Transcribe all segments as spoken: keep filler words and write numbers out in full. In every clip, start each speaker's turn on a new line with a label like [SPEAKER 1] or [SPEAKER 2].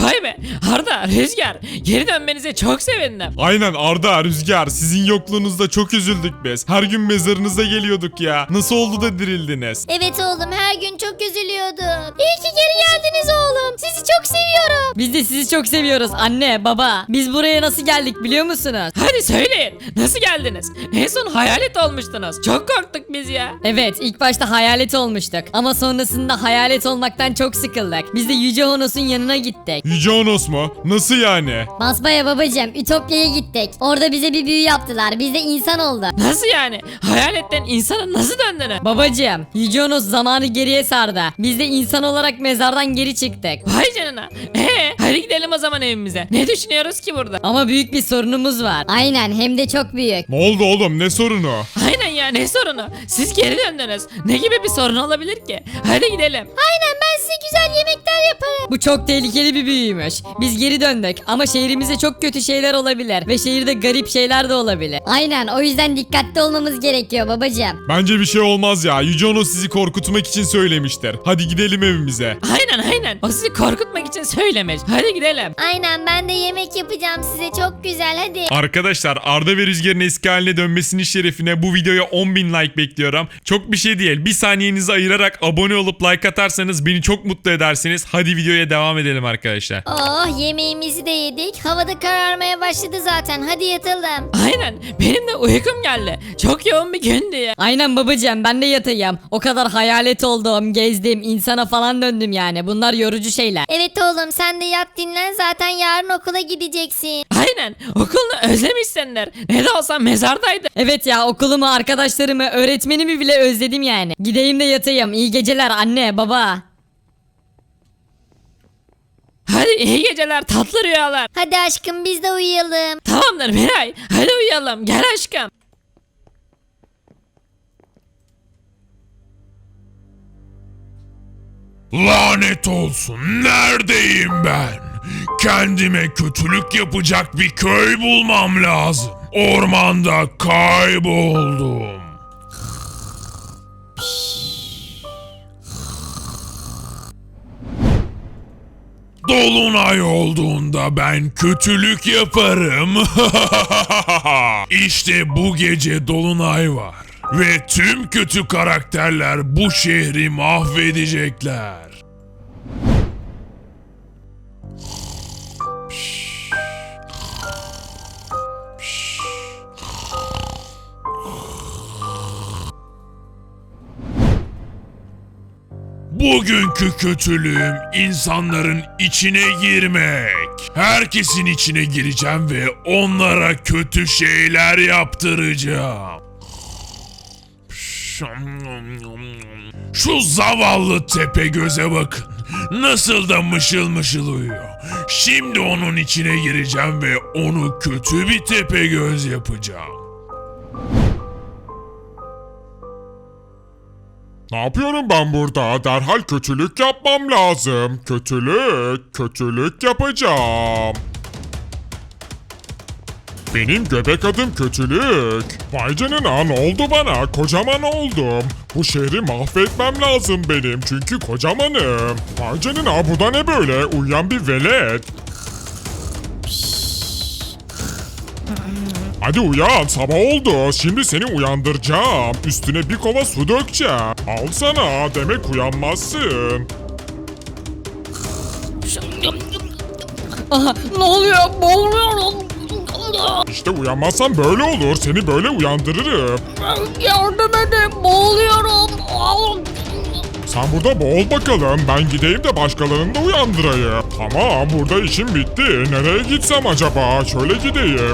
[SPEAKER 1] Vay be Arda, Rüzgar, geri dönmenize çok sevindim.
[SPEAKER 2] Aynen Arda, Rüzgar, sizin yokluğunuzda çok üzüldük biz. Her gün mezarınıza geliyorduk ya. Nasıl oldu da dirildiniz?
[SPEAKER 3] Evet oğlum, her gün çok üzülüyordum. İyi ki geri geldiniz oğlum. Sizi çok seviyorum.
[SPEAKER 4] Biz de sizi çok seviyoruz anne baba. Biz buraya nasıl geldik biliyor musunuz?
[SPEAKER 1] Hadi söyleyin, nasıl geldiniz? En son hayalet olmuştunuz. Çok korktuk biz ya.
[SPEAKER 4] Evet, ilk başta hayalet olmuştuk ama sonrasında hayalet olmaktan çok sıkıldık. Biz de Yüce Honos'un yanına gittik.
[SPEAKER 2] Yüce Onos mu? Nasıl yani?
[SPEAKER 3] Basbaya babacığım, Ütopya'ya gittik. Orada bize bir büyü yaptılar. Biz de insan olduk.
[SPEAKER 1] Nasıl yani? Hayaletten insana nasıl döndünüz?
[SPEAKER 4] Babacığım, Yüce Honos zamanı geriye sardı. Biz de insan olarak mezardan geri çıktık.
[SPEAKER 1] Vay canına. Ee, hadi gidelim o zaman evimize. Ne düşünüyoruz ki burada?
[SPEAKER 4] Ama büyük bir sorunumuz var.
[SPEAKER 3] Aynen, hem de çok büyük.
[SPEAKER 2] Ne oldu oğlum, ne sorunu?
[SPEAKER 1] Aynen ya, ne sorunu? Siz geri döndünüz. Ne gibi bir sorun olabilir ki? Hadi gidelim.
[SPEAKER 3] Aynen, ben size güzel yemekler yaparım.
[SPEAKER 4] Bu çok tehlikeli bir büyüymüş. Biz geri döndük ama şehrimizde çok kötü şeyler olabilir ve şehirde garip şeyler de olabilir.
[SPEAKER 3] Aynen, o yüzden dikkatli olmamız gerekiyor babacığım.
[SPEAKER 2] Bence bir şey olmaz ya. Yüce Onos sizi korkutmak için söylemiştir. Hadi gidelim evimize.
[SPEAKER 1] Aynen aynen. O sizi korkutmak için söylemiş. Hadi gidelim.
[SPEAKER 3] Aynen, ben de yemek yapacağım size, çok güzel, hadi.
[SPEAKER 2] Arkadaşlar, Arda ve Rüzgar'ın eski haline dönmesinin şerefine bu videoya on bin like bekliyorum. Çok bir şey değil. Bir saniyenizi ayırarak abone olup like atarsanız beni çok mutlu edersiniz. Hadi videoya devam edelim arkadaşlar.
[SPEAKER 3] Oh, yemeğimizi de yedik. Havada kararmaya başladı zaten, hadi yatalım.
[SPEAKER 1] Aynen. Benim de uykum geldi. Çok yoğun bir gündü ya.
[SPEAKER 4] Aynen babacığım, ben de yatayım. O kadar hayalet oldum, gezdim, insana falan döndüm yani. Bunlar yorucu şeyler.
[SPEAKER 3] Evet oğlum, sen de yat dinlen, zaten yarın okula gideceksin.
[SPEAKER 1] Aynen. Okulunu özlemişsinler. Ne de olsa mezardaydı.
[SPEAKER 4] Evet ya, okulumu, arkadaşlarımı, öğretmenimi bile özledim yani. Gideyim de yatayım. İyi geceler anne, baba.
[SPEAKER 1] Hadi iyi geceler, tatlı rüyalar.
[SPEAKER 3] Hadi aşkım, biz de uyuyalım.
[SPEAKER 1] Tamamdır Miray. Hadi uyuyalım. Gel aşkım.
[SPEAKER 5] Lanet olsun, neredeyim ben? Kendime kötülük yapacak bir köy bulmam lazım. Ormanda kayboldum. Dolunay olduğunda ben kötülük yaparım. İşte bu gece dolunay var. Ve tüm kötü karakterler bu şehri mahvedecekler. Bugünkü kötülüğüm insanların içine girmek. Herkesin içine gireceğim ve onlara kötü şeyler yaptıracağım. Şu zavallı Tepegöz'e bakın. Nasıl da mışıl mışıl uyuyor. Şimdi onun içine gireceğim ve onu kötü bir Tepegöz yapacağım.
[SPEAKER 2] Ne yapıyorum ben burada? Derhal kötülük yapmam lazım. Kötülük, kötülük yapacağım. Benim göbek adım kötülük. Vay canına, ne oldu bana? Kocaman oldum. Bu şehri mahvetmem lazım benim çünkü kocamanım. Vay canına, bu da ne böyle? Uyuyan bir velet. Hadi uyan, sabah oldu. Şimdi seni uyandıracağım. Üstüne bir kova su dökeceğim. Al sana, demek uyanmazsın.
[SPEAKER 4] Aha, ne oluyor? Boğuluyorum.
[SPEAKER 2] İşte uyanmazsan böyle olur. Seni böyle uyandırırım.
[SPEAKER 4] Yardım edin, boğuluyorum.
[SPEAKER 2] Sen burada boğul bakalım. Ben gideyim de başkalarını da uyandırayım. Tamam, burada işim bitti. Nereye gitsem acaba? Şöyle gideyim.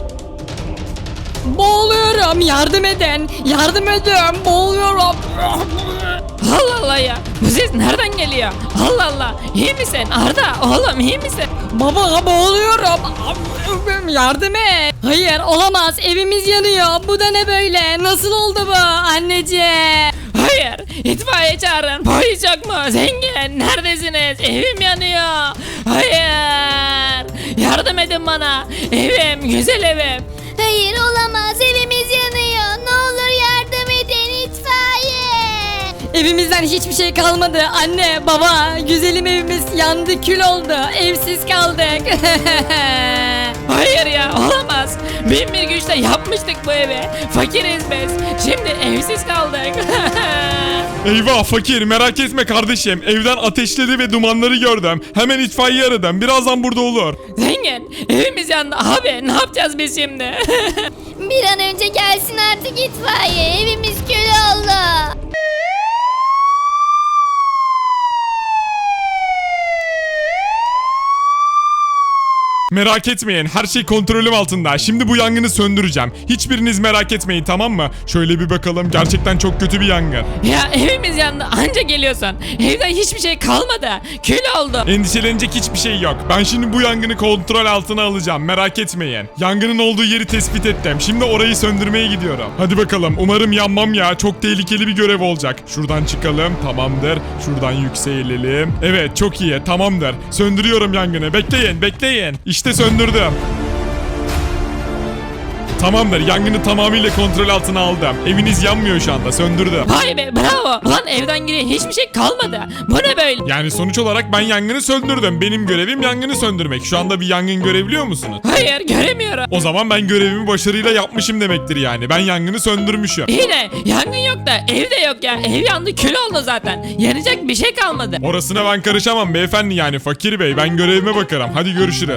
[SPEAKER 4] Boğuluyorum, yardım edin. Yardım edin, boğuluyorum.
[SPEAKER 1] Allah Allah ya. Bu ses nereden geliyor? Allah Allah. İyi misin Arda? Oğlum iyi misin?
[SPEAKER 4] Baba, boğuluyorum. Yardım et. Hayır, olamaz. Evimiz yanıyor. Bu da ne böyle? Nasıl oldu bu anneciğim?
[SPEAKER 1] Hayır. İtfaiye çağırın. Polis yok mu? Zengin. Neredesiniz? Evim yanıyor. Hayır. Yardım edin bana. Evim. Güzel evim.
[SPEAKER 3] Hayır, olamaz, evimiz yanıyor. Ne olur yardım edin, itfaiye.
[SPEAKER 4] Evimizden hiçbir şey kalmadı. Anne, baba, güzelim evimiz yandı, kül oldu. Evsiz kaldık.
[SPEAKER 1] Hayır ya, olamaz. Bin bir güçle yapmıştık bu evi. Fakiriz biz. Şimdi evsiz kaldık.
[SPEAKER 2] Eyvah fakir, merak etme kardeşim. Evden ateşleri ve dumanları gördüm. Hemen itfaiye aradım. Birazdan burada olur.
[SPEAKER 1] Zengin, evimiz yandı abi. Ne yapacağız biz şimdi?
[SPEAKER 3] Bir an önce gelsin artık itfaiye. Evimiz kül oldu.
[SPEAKER 2] Merak etmeyin, her şey kontrolüm altında. Şimdi bu yangını söndüreceğim. Hiçbiriniz merak etmeyin, tamam mı? Şöyle bir bakalım, gerçekten çok kötü bir yangın.
[SPEAKER 1] Ya evimiz yandı, anca geliyorsun. Evden hiçbir şey kalmadı. Kül oldu.
[SPEAKER 2] Endişelenecek hiçbir şey yok. Ben şimdi bu yangını kontrol altına alacağım, merak etmeyin. Yangının olduğu yeri tespit ettim. Şimdi orayı söndürmeye gidiyorum. Hadi bakalım, umarım yanmam ya. Çok tehlikeli bir görev olacak. Şuradan çıkalım, tamamdır. Şuradan yükselelim. Evet, çok iyi, tamamdır. Söndürüyorum yangını. Bekleyin, bekleyin. İşte söndürdüm. Tamamdır, yangını tamamıyla kontrol altına aldım. Eviniz yanmıyor şu anda, söndürdüm.
[SPEAKER 1] Vay be, bravo. Ulan evden geriye hiçbir şey kalmadı. Bu ne böyle?
[SPEAKER 2] Yani sonuç olarak ben yangını söndürdüm. Benim görevim yangını söndürmek. Şu anda bir yangın görebiliyor musunuz?
[SPEAKER 1] Hayır, göremiyorum.
[SPEAKER 2] O zaman ben görevimi başarıyla yapmışım demektir yani. Ben yangını söndürmüşüm.
[SPEAKER 1] İyi de yangın yok da evde yok ya. Ev yandı, kül oldu zaten. Yanacak bir şey kalmadı.
[SPEAKER 2] Orasına ben karışamam beyefendi, yani fakir bey. Ben görevime bakarım. Hadi görüşürüz.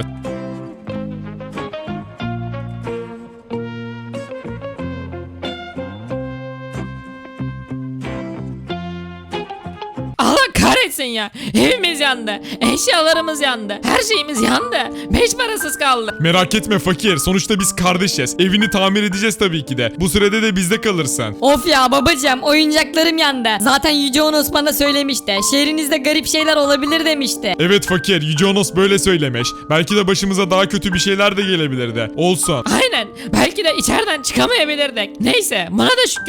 [SPEAKER 1] Allah kahretsin ya. Evimiz yandı. Eşyalarımız yandı. Her şeyimiz yandı. Beş parasız kaldık.
[SPEAKER 2] Merak etme fakir. Sonuçta biz kardeşiz. Evini tamir edeceğiz tabii ki de. Bu sürede de bizde kalırsın.
[SPEAKER 4] Of ya babacığım, oyuncaklarım yandı. Zaten Yüce Onos bana söylemişti. Şehrinizde garip şeyler olabilir demişti.
[SPEAKER 2] Evet fakir. Yüce Onos böyle söylemiş. Belki de başımıza daha kötü bir şeyler de gelebilirdi. Olsun.
[SPEAKER 1] Aynen. Belki de içeriden çıkamayabilirdik. Neyse, buna da şükür.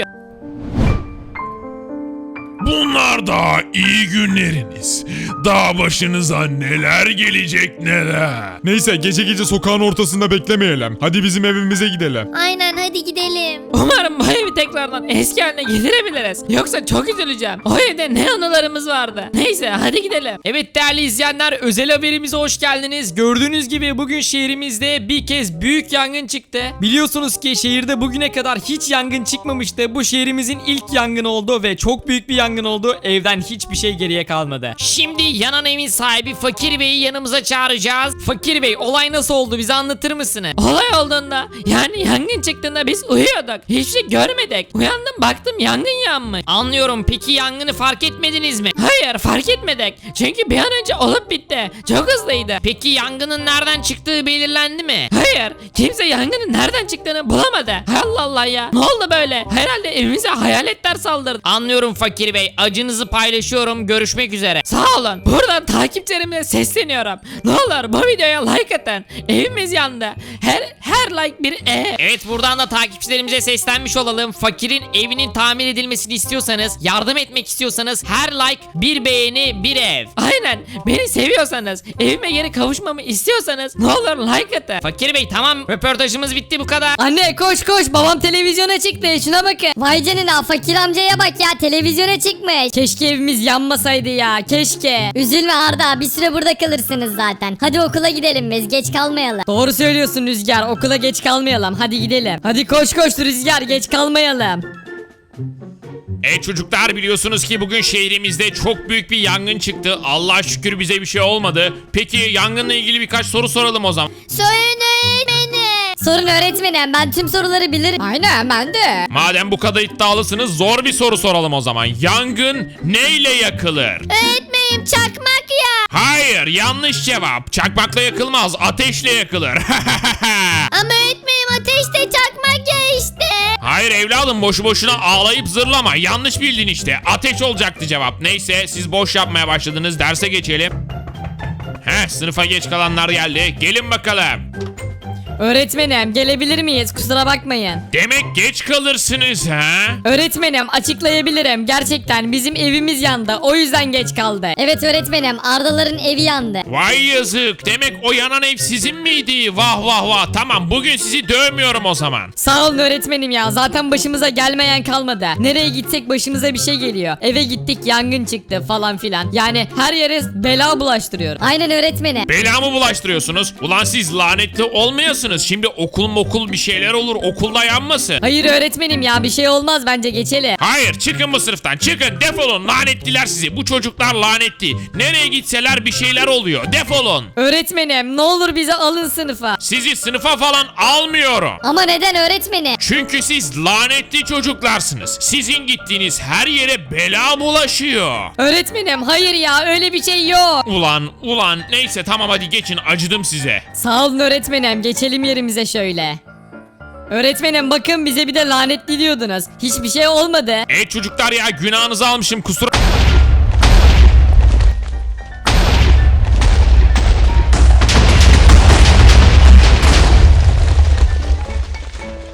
[SPEAKER 5] Bunlar da iyi günleriniz. Daha başınıza neler gelecek neler.
[SPEAKER 2] Neyse, gece gece sokağın ortasında beklemeyelim. Hadi bizim evimize gidelim.
[SPEAKER 3] Aynen, hadi gidelim.
[SPEAKER 1] Umarım bu evi tekrardan eski haline getirebiliriz. Yoksa çok üzüleceğim. O evde ne anılarımız vardı. Neyse, hadi gidelim.
[SPEAKER 6] Evet değerli izleyenler, özel haberimize hoş geldiniz. Gördüğünüz gibi bugün şehrimizde bir kez büyük yangın çıktı. Biliyorsunuz ki şehirde bugüne kadar hiç yangın çıkmamıştı. Bu şehrimizin ilk yangını oldu ve çok büyük bir yangın oldu. Evden hiçbir şey geriye kalmadı.
[SPEAKER 1] Şimdi yanan evin sahibi Fakir Bey'i yanımıza çağıracağız.
[SPEAKER 6] Fakir Bey, olay nasıl oldu, bize anlatır mısınız?
[SPEAKER 1] Olay olduğunda, yani yangın çıktığında biz uyuyorduk. Hiçbir şey görmedik. Uyandım, baktım yangın yanmış.
[SPEAKER 6] Anlıyorum, peki yangını fark etmediniz mi?
[SPEAKER 1] Hayır, fark etmedik. Çünkü bir an önce olup bitti. Çok hızlıydı.
[SPEAKER 6] Peki yangının nereden çıktığı belirlendi mi?
[SPEAKER 1] Hayır, kimse yangının nereden çıktığını bulamadı. Allah Allah ya. Ne oldu böyle? Herhalde evimize hayaletler saldırdı.
[SPEAKER 6] Anlıyorum Fakir Bey, acınızı paylaşıyorum, görüşmek üzere.
[SPEAKER 1] Sağ olun. Buradan takipçilerime sesleniyorum. Ne olur bu videoya like atın. Evimiz yandı. Her her like bir ev.
[SPEAKER 6] Evet, buradan da takipçilerimize seslenmiş olalım. Fakirin evinin tamir edilmesini istiyorsanız, yardım etmek istiyorsanız her like bir beğeni bir ev.
[SPEAKER 1] Aynen. Beni seviyorsanız, evime geri kavuşmamı istiyorsanız ne olur like atın.
[SPEAKER 6] Fakir Bey tamam, röportajımız bitti, bu kadar.
[SPEAKER 4] Anne koş koş, babam televizyona çıktı, şuna bakın.
[SPEAKER 3] Vay canına, fakir amcaya bak ya, televizyona çıkmış.
[SPEAKER 4] Keşke evimiz yanmasaydı ya, keşke.
[SPEAKER 3] Üzülme Arda, bir süre burada kalırsınız zaten. Hadi okula gidelim biz, geç kalmayalım.
[SPEAKER 4] Doğru söylüyorsun Rüzgar, okula geç kalmayalım, hadi gidelim. Hadi koş koş Rüzgar, geç kalmayalım.
[SPEAKER 5] E çocuklar, biliyorsunuz ki bugün şehrimizde çok büyük bir yangın çıktı. Allah'a şükür bize bir şey olmadı. Peki yangınla ilgili birkaç soru soralım o zaman.
[SPEAKER 3] Sorun öğretmenim. Sorun öğretmenim, ben tüm soruları bilirim.
[SPEAKER 4] Aynen, ben de.
[SPEAKER 5] Madem bu kadar iddialısınız, zor bir soru soralım o zaman. Yangın neyle yakılır?
[SPEAKER 3] Öğretmenim, çakmak ya.
[SPEAKER 5] Hayır, yanlış cevap. Çakmakla yakılmaz, ateşle yakılır.
[SPEAKER 3] Ama öğretmenim, ateşte çakmak ya işte.
[SPEAKER 5] Hayır evladım, boşu boşuna ağlayıp zırlama. Yanlış bildin işte. Ateş olacaktı cevap. Neyse, siz boş yapmaya başladınız. Derse geçelim. Heh, sınıfa geç kalanlar geldi. Gelin bakalım.
[SPEAKER 4] Öğretmenim gelebilir miyiz? Kusura bakmayın.
[SPEAKER 5] Demek geç kalırsınız ha?
[SPEAKER 4] Öğretmenim açıklayabilirim. Gerçekten bizim evimiz yandı. O yüzden geç kaldı.
[SPEAKER 3] Evet öğretmenim Ardaların evi yandı.
[SPEAKER 5] Vay yazık. Demek o yanan ev sizin miydi? Vah vah vah. Tamam bugün sizi dövmüyorum o zaman.
[SPEAKER 4] Sağ olun öğretmenim ya. Zaten başımıza gelmeyen kalmadı. Nereye gitsek başımıza bir şey geliyor. Eve gittik yangın çıktı falan filan. Yani her yere bela bulaştırıyor.
[SPEAKER 3] Aynen öğretmenim.
[SPEAKER 5] Bela mı bulaştırıyorsunuz? Ulan siz lanetli olmayasınız. Şimdi okul mokul bir şeyler olur. Okulda yanmasın.
[SPEAKER 4] Hayır öğretmenim ya bir şey olmaz bence geçelim.
[SPEAKER 5] Hayır çıkın bu sınıftan. Çıkın defolun. Lanetliler sizi. Bu çocuklar lanetli. Nereye gitseler bir şeyler oluyor. Defolun.
[SPEAKER 4] Öğretmenim ne olur bizi alın sınıfa.
[SPEAKER 5] Sizi sınıfa falan almıyorum.
[SPEAKER 3] Ama neden öğretmenim?
[SPEAKER 5] Çünkü siz lanetli çocuklarsınız. Sizin gittiğiniz her yere bela bulaşıyor.
[SPEAKER 4] Öğretmenim hayır ya öyle bir şey yok.
[SPEAKER 5] Ulan ulan neyse tamam hadi geçin acıdım size.
[SPEAKER 4] Sağ olun öğretmenim geçelim yerimize şöyle. Öğretmenim bakın bize bir de lanetli diyordunuz. Hiçbir şey olmadı.
[SPEAKER 5] E çocuklar ya günahınızı almışım kusura...